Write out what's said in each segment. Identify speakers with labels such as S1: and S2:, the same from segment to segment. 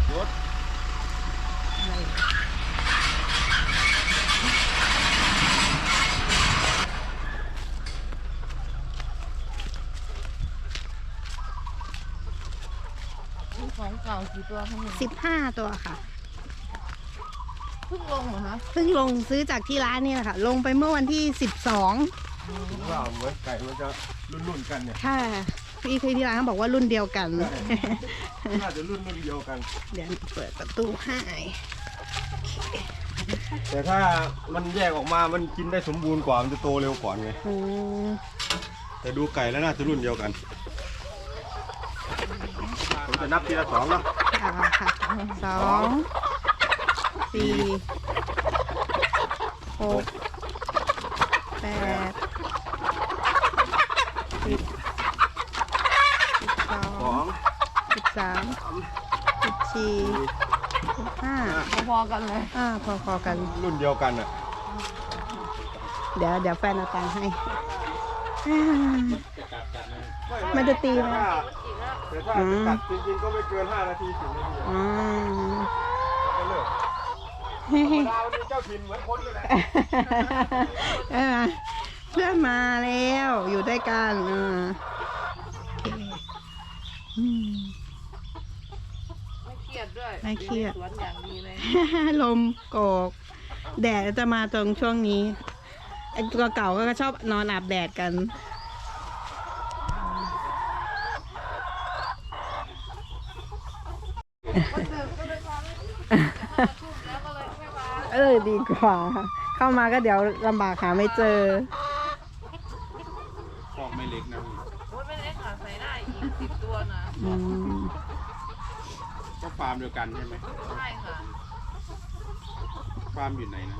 S1: รถ
S2: ของเก่ากี่ตัวคะเนี่ย
S3: 15 ตัวค่ะ
S2: เพิ่งลงเหรอคะ
S3: เพิ่งลงซื้อจากที่ร้านนี่แหละค่ะลงไปเมื่อวันที่12
S1: ว่าเหมือนไก่มันจะรุ่นกันเนี่ย
S3: ค่ะพี่ที่ร้านบอกว่ารุ่นเดียวกัน
S1: น่าจะรุ่นเดียวกัน
S3: เดี๋ยวเปิดประตูให้
S1: แต่ถ้ามันแยกออกมามันกินได้สมบูรณ์กว่ามันจะโตเร็วกว่าไงแต่ดูไก่แล้วน่าจะรุ่นเดียวกันผมจะนับทีละ2เนาะ
S3: ค่ะ2 4 6 8 10 12 13 14 15
S2: พอๆกันเลย
S3: พอกัน
S1: รุ่นเดียวกันอ่ะ
S3: เดี๋ยวแฟนเอาตังค์ให้มันจะตีไหม
S1: แต่ถ้าจะตัดจริงๆก็ไม่เกิน5 นาที10 นาทีก็เลิกดาวนี่เจ้าถิ่นเหมือนคนเลยแหละ
S3: เพื่อนมาแล้วอยู่ด้วยกัน
S2: ไม่เครียดด้วย
S3: ไม่เครียด
S2: สวนอย่างดีเลย
S3: ลมโกกแดดจะมาตรงช่วงนี้ไอ้ตัวเก่าก็ชอบนอนอาบแดดกันดีกว่าเข้ามาก็เดี๋ยวลำบากหาไม่เจอ
S1: คอกไม่เล็กนะ
S2: ไม่เล็กค่ะใส่ได้อีก10 ตัวนะ
S1: ก็ฟาร์มเดียวกันใช่ไหม
S2: ใช่ค่ะ
S1: ฟาร์มอยู่ไหนนะ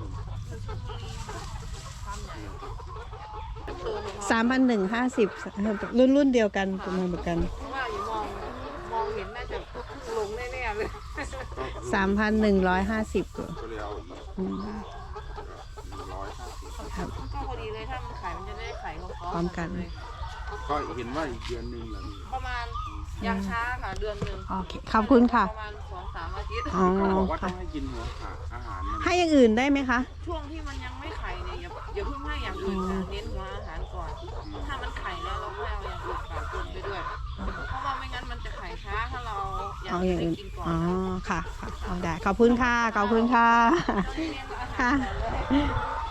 S3: 3,150รุ่นเดียวกันประมาณเหมือนกัน
S2: ว่าอยู่มองเห็นน่าจะลงแน่ๆเลย
S3: 3,150ตัว
S1: ก็เลยเอา150
S3: ครับ
S2: ก็พอดีเลยถ้ามันไข่มันจะได้ไข่พ
S3: ร้อมกัน
S1: ก็เห็นว่าอีกเดือนนึงแหละ
S2: ประมาณยังช้าค่ะเดือนนึง
S3: โอเคขอบคุณค่ะ
S2: ประมาณ2-3 อาทิตย์
S1: บอกว่าต้องให้กินหัวอาหาร
S3: ให้อย่างอื่นได้ไหมคะ
S2: ช่วงที่มันยังไม่ไข่เนี่ยอย่าเพิ่งให้อย่างอื่นค่ะเน้นหัวอาหารก่อนถ้ามันไข่แล้วเราค่อยเอาอย่างอื่นปะปนไปด้วยเพราะว่าไม่งั้นมันจะไข่ช้าถ้าเรา
S3: อย่างอื่น
S2: กินก่อน
S3: ค่ะเอาได้ขอบคุณค่ะค่ะ